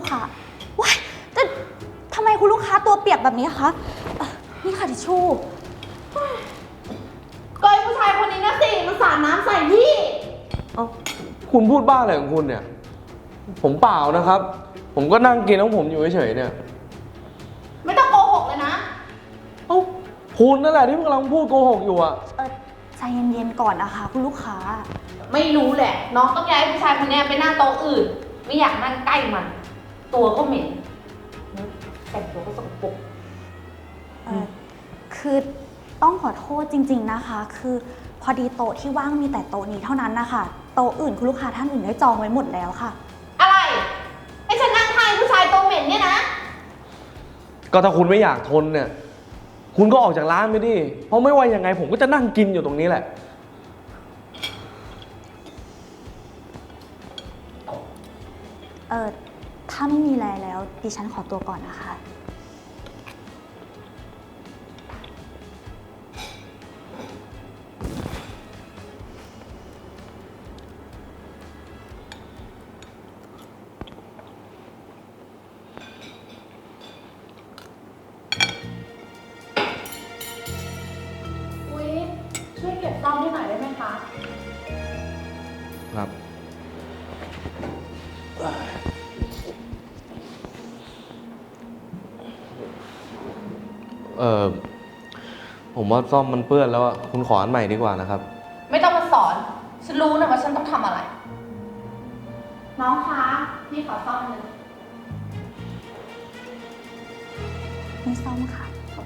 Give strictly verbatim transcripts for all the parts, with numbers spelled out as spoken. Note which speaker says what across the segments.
Speaker 1: ค้าว้ายแต่ทำไมคุณลูกค้าตัวเปียกแบบนี้คะนี่ค่ะทิชชู่
Speaker 2: ก็ไอ้ผู้ชายคนนี้นะสิมันสาดน้ำใส่พี่
Speaker 3: เอ้าคุณพูดบ้าอะไรของคุณเนี่ยผมเปล่านะครับ ผมก็นั่งกินของผมอยู่เฉยๆเนี่ย
Speaker 2: ไม่ต้องโกหกเลยนะ
Speaker 3: เอ้าคุณนั่นแหละที่กำลังพูดโกหกอยู่อะ
Speaker 1: เออใจเย็นๆก่อนนะคะคุณลูกค้า
Speaker 2: ไม่รู้แหละ น้องต้องย้ายผู้ชายคนนี้ไปนั่งโต๊ะอื่น ไม่อยากนั่งใกล้มัน ตัวก็เหม็นแต่งตัวก็สกปรก
Speaker 1: เออคือต้องขอโทษจริงๆนะคะคือพอดีโต๊ะที่ว่างมีแต่โต๊ะนี้เท่านั้นนะคะโต๊ะอื่นคุณลูกค้าท่านอื่นได้จองไว้หมดแล้วค่ะ
Speaker 2: อะไรให้ฉันนั่งทานผู้ชายตัวเหม็นเนี่ยนะ
Speaker 3: ก็ถ้าคุณไม่อยากทนเนี่ยคุณก็ออกจากร้านไปดิเพราะไม่ว่ายังไงผมก็จะนั่งกินอยู่ตรงนี้แหละ
Speaker 1: เออถ้าไม่มีอะไรแล้วดิฉันขอตัวก่อนนะคะ
Speaker 2: ช่วยเก็บซ่อมให้หน่อยได้ไหมคะ
Speaker 3: ครับเออผมว่าซ่อมมันเปื้อนแล้วอะคุณขออันใหม่ดีกว่านะครับ
Speaker 2: ไม่ต้องมาสอนฉันรู้นะว่าฉันต้องทำอะไรน้องคะนี่ขอซ่อมเลย
Speaker 1: นี่ซ่อมค่ะ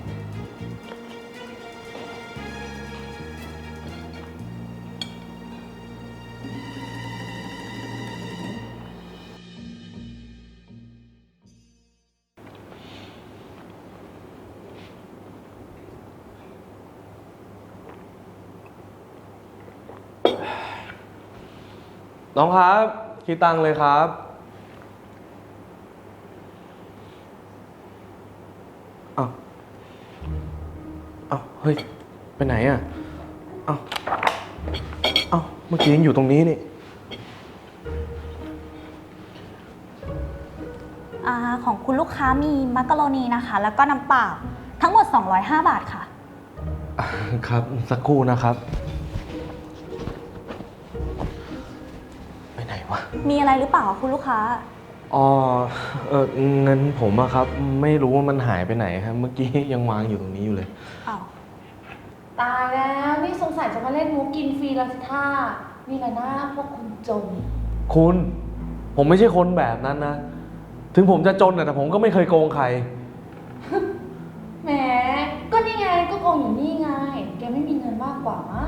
Speaker 3: น้องครับคิดตังค์เลยครับอ้าวอ้าวเฮ้ยไปไหนอ่ะอ้าวอ้าวเมื่อกี้ยังอยู่ตรงนี้นี่
Speaker 1: อ่าของคุณลูกค้ามีมักกะโรนีนะคะแล้วก็น้ำเปล่าทั้งหมดสองร้อยห้าบาทค่ะ
Speaker 3: ครับสักครู่นะครับไปไหนวะ
Speaker 1: มีอะไรหรือเปล่าคุณลูกค้า
Speaker 3: อ๋อเออเงินผมอะครับไม่รู้ว่ามันหายไปไหนครับเมื่อกี้ยังวางอยู่ตรงนี้อยู่เลย
Speaker 1: อ้าว
Speaker 2: ตายแล้วนี่สงสัยจะมาเล่นมุกกินฟรีแล้วสิท่านี่แหละนะพวกคุณจน
Speaker 3: คุณผมไม่ใช่คนแบบนั้นนะถึงผมจะจนแต่ผมก็ไม่เคยโกงใคร
Speaker 2: แหมก็นี่ไงก็โกงอยู่นี่ไงแกไม่มีเงินมากกว่ามั้ง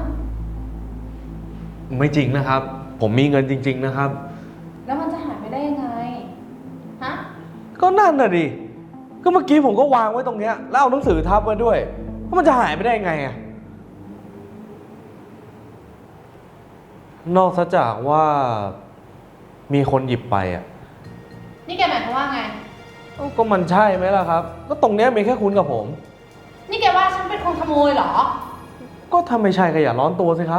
Speaker 3: ไม่จริงนะครับผมมีเงินจริงๆนะครับ
Speaker 2: แล้วมันจะหายไปได้ยังไงฮะ
Speaker 3: ก็นั่นน่ะดิก็เมื่อกี้ผมก็วางไว้ตรงเนี้ยแล้วเอาหนังสือทับไว้ด้วยว่ามันจะหายไปได้ยังไงอะนอกจากว่ามีคนหยิบไปอะ
Speaker 2: นี่แกหมายความว่าไง
Speaker 3: ก็มันใช่ไหมล่ะครับก็ตรงเนี้ยมีแค่คุณกับผม
Speaker 2: นี่แกว่าฉันเป็นคนขโมยเหรอ
Speaker 3: ก็ถ้าไม่ใช่ก็อย่าร้อนตัวสิครับ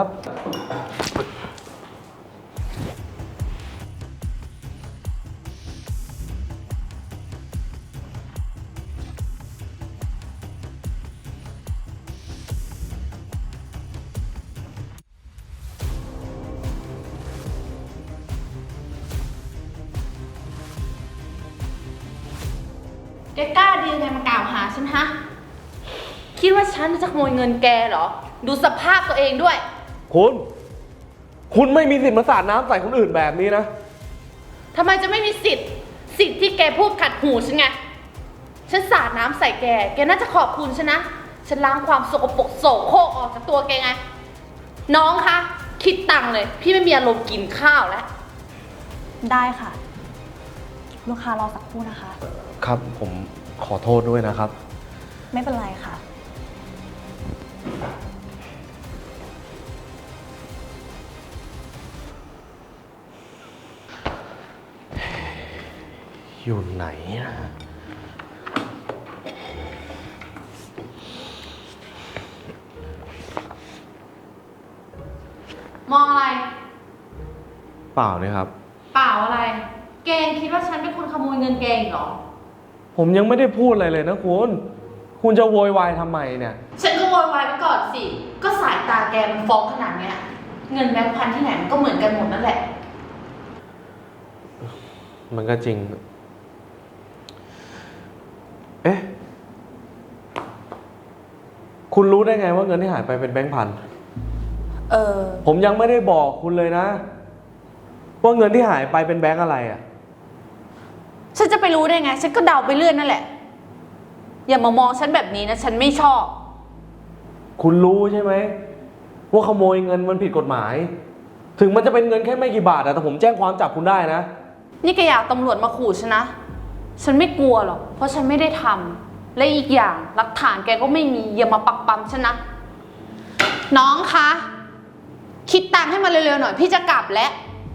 Speaker 2: แกกล้าดียังไงมากล่าวหาฉันฮะคิดว่าฉันจะขโมยเงินแกเหรอดูสภาพตัวเองด้วย
Speaker 3: คุณคุณไม่มีสิทธิ์มาสาดน้ำใส่คนอื่นแบบนี้นะ
Speaker 2: ทำไมจะไม่มีสิทธิ์สิทธิ์ที่แกพูดขัดหูฉันไงฉันสาดน้ำใส่แกแกน่าจะขอบคุณฉันนะฉันล้างความสกปรกโสโครกออกจากตัวแกไงน้องคะคิดตังค์เลยพี่ไม่มีอารมณ์กินข้าวแล้ว
Speaker 1: ได้ค่ะลูกค้ารอสักครู่นะคะ
Speaker 3: ครับผมขอโทษด้วยนะครับ
Speaker 1: ไม่เป็นไรค่ะ
Speaker 3: อยู่ไหนนะ
Speaker 2: มองอะไร
Speaker 3: เปล่าเลยครับ
Speaker 2: เปล่าอะไรแกงคิดว่าฉันเป็นคนขโมยเงินแกอีกเหรอ
Speaker 3: ผมยังไม่ได้พูดอะไรเลยนะคุณ คุณจะโวยวายทำไมเนี่ย
Speaker 2: ฉันก็โวยวายไปก่อนสิ ก็สายตาแกมันฟ้องขนาดเนี้ย เงินแบงค์พันที่ไหนมันก็เหมือนกันหมดนั่นแหละ
Speaker 3: มันก็จริง เอ๊ะ คุณรู้ได้ไงว่าเงินที่หายไปเป็นแบงค์พัน
Speaker 2: เออ
Speaker 3: ผมยังไม่ได้บอกคุณเลยนะ ว่าเงินที่หายไปเป็นแบงค์อะไรอ่ะ
Speaker 2: ฉันจะไปรู้ได้ไง ฉันก็เดาไปเรื่อยนั่นแหละ อย่ามามองฉันแบบนี้นะ ฉันไม่ชอบ
Speaker 3: คุณรู้ใช่ไหมว่าขโมยเงินมันผิดกฎหมาย ถึงมันจะเป็นเงินแค่ไม่กี่บาทอะแต่ผมแจ้งความจับคุณได้นะ
Speaker 2: นี่แกอยากตำรวจมาขู่ฉันนะ ฉันไม่กลัวหรอก เพราะฉันไม่ได้ทำ และอีกอย่างหลักฐานแกก็ไม่มี อย่ามาปักปั๊มฉันนะ น้องคะ คิดตังค์ให้มันเร็วๆหน่อย พี่จะกลับแล้ว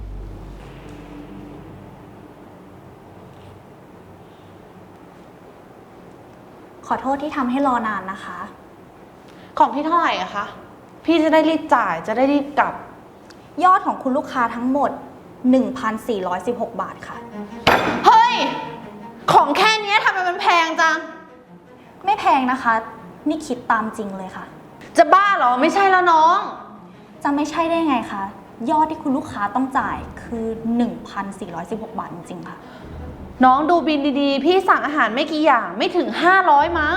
Speaker 1: ขอโทษที่ทำให้รอนานนะคะ
Speaker 2: ของพี่เท่าไหร่อะคะ พี่จะได้รีบจ่าย จะได้รีบกลับ
Speaker 1: ยอดของคุณลูกค้าทั้งหมด หนึ่งพันสี่ร้อยสิบหก บาทค่ะ
Speaker 2: เฮ้ย ของแค่เนี้ยทำไมมันแพงจัง
Speaker 1: ไม่แพงนะคะ นี่คิดตามจริงเลยค่ะ
Speaker 2: จะบ้าเหรอ ไม่ใช่แล้วน้อง
Speaker 1: จะไม่ใช่ได้ไงคะ ยอดที่คุณลูกค้าต้องจ่ายคือ หนึ่งพันสี่ร้อยสิบหก บาทจริงๆค่ะ
Speaker 2: น้องดูบินดีๆ พี่สั่งอาหารไม่กี่อย่างไม่ถึงห้าร้อยมั้ง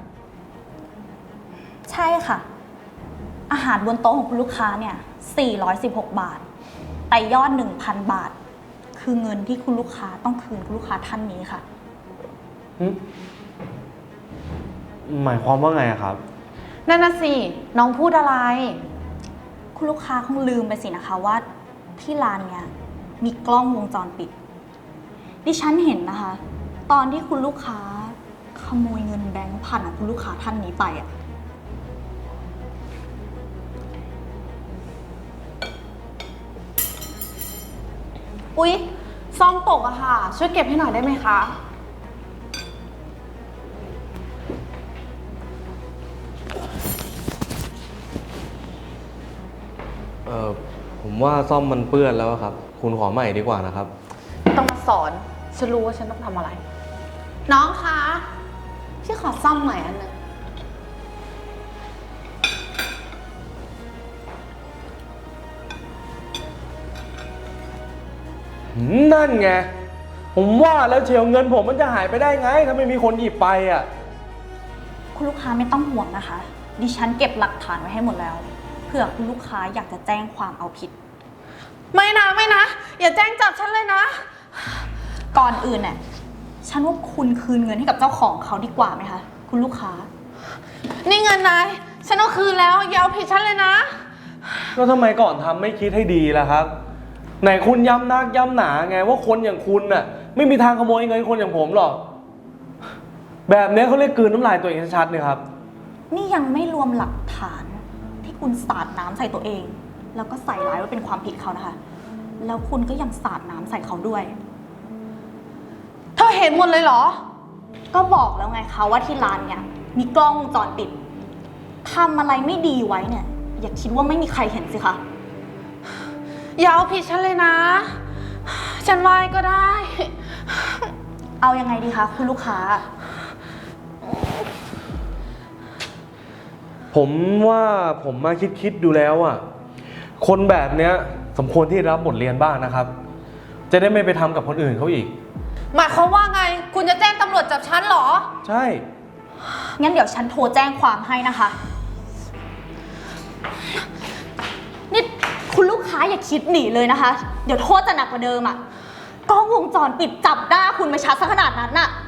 Speaker 1: ใช่ค่ะ อาหารบนโต๊ะของคุณลูกค้าเนี่ย สี่ร้อยสิบหก บาท แต่ยอด หนึ่งพัน บาท คือเงินที่คุณลูกค้าต้องคืนคุณลูกค้าท่านนี้ค่ะ
Speaker 3: หมายความว่าไงอะครับ
Speaker 2: นั่นน่ะสิ น้องพูดอะไร
Speaker 1: คุณลูกค้าคงลืมไปสินะคะว่าที่ร้านเนี่ยมีกล้องวงจรปิด ดิฉันเห็นนะคะ ตอนที่คุณลูกค้าขโมยเงินแบงค์พันของคุณลูกค้าท่านนี้ไปอะ
Speaker 2: อุ๊ยซ่อมตกอะค่ะ ช่วยเก็บให้หน่อยได้ไหมคะ
Speaker 3: เออผมว่าซ่อมมันเปื้อนแล้วอะครับ คุณขอใหม่ดีกว่านะครับ
Speaker 2: ไม่ต้องมาสอน ฉันรู้ว่าฉันต้องทำอะไร น้องคะ พี่ขอซ่อมใหม่อันหนึ่ง
Speaker 3: นั่นไง ผมว่าแล้วเชียวเงินผมมันจะหายไปได้ไง ถ้าไม่มีคนหยิบไปอ่ะ
Speaker 1: คุณลูกค้าไม่ต้องห่วงนะคะ ดิฉันเก็บหลักฐานไว้ให้หมดแล้ว เผื่อคุณลูกค้าอยากจะแจ้งความเอาผิด
Speaker 2: ไม่นะไม่นะ อย่าแจ้งจับฉันเลยนะ
Speaker 1: ก่อนอื่นเนี่ยฉันว่าคุณคืนเงินให้กับเจ้าของเขาดีกว่าไหมคะคุณลูกค้า
Speaker 2: นี่เงินนาย ฉันเอาคืนแล้วอย่าเอาผิดฉันเลยนะ
Speaker 3: แล้วทำไมก่อนทำไม่คิดให้ดีล่ะครับ ไหนคุณย้ำนักย้ำหนาไงว่าคนอย่างคุณน่ะ ไม่มีทางขโมยเงินคนอย่างผมหรอก แบบนี้เขาเรียกกลืนน้ำลายตัวเองชัดๆเลยครับ
Speaker 1: นี่ยังไม่รวมหลักฐานที่คุณสาดน้ำใส่ตัวเอง แล้วก็ใส่ร้ายว่าเป็นความผิดเขานะคะ แล้วคุณก็ยังสาดน้ำใส่เขาด้วย
Speaker 2: เธอเห็นหมดเลยเหรอ
Speaker 1: ก็บอกแล้วไงคะว่าที่ร้านเนี่ยมีกล้องวงจรปิดทำอะไรไม่ดีไว้เนี่ย อย่าคิดว่าไม่มีใครเห็นสิคะ
Speaker 2: อย่าเอาผิดฉันเลยนะ ฉันไหว้ก็ได้
Speaker 1: เอายังไงดีคะคุณลูกค้า
Speaker 3: ผมว่าผมมาคิดๆดูแล้วอ่ะ คนแบบเนี้ยสมควรที่รับบทเรียนบ้างนะครับ จะได้ไม่ไปทำกับคนอื่นเขาอีก
Speaker 2: หมายความว่าไง คุณจะแจ้งตำรวจจับฉันเหรอ
Speaker 3: ใช่
Speaker 1: งั้นเดี๋ยวฉันโทรแจ้งความให้นะคะ นี่คุณลูกค้าอย่าคิดหนีเลยนะคะ เดี๋ยวโทษจะหนักกว่าเดิมอะกล้องวงจรปิดจับหน้าคุณไม่ชัดซะขนาดนั้นน่ะ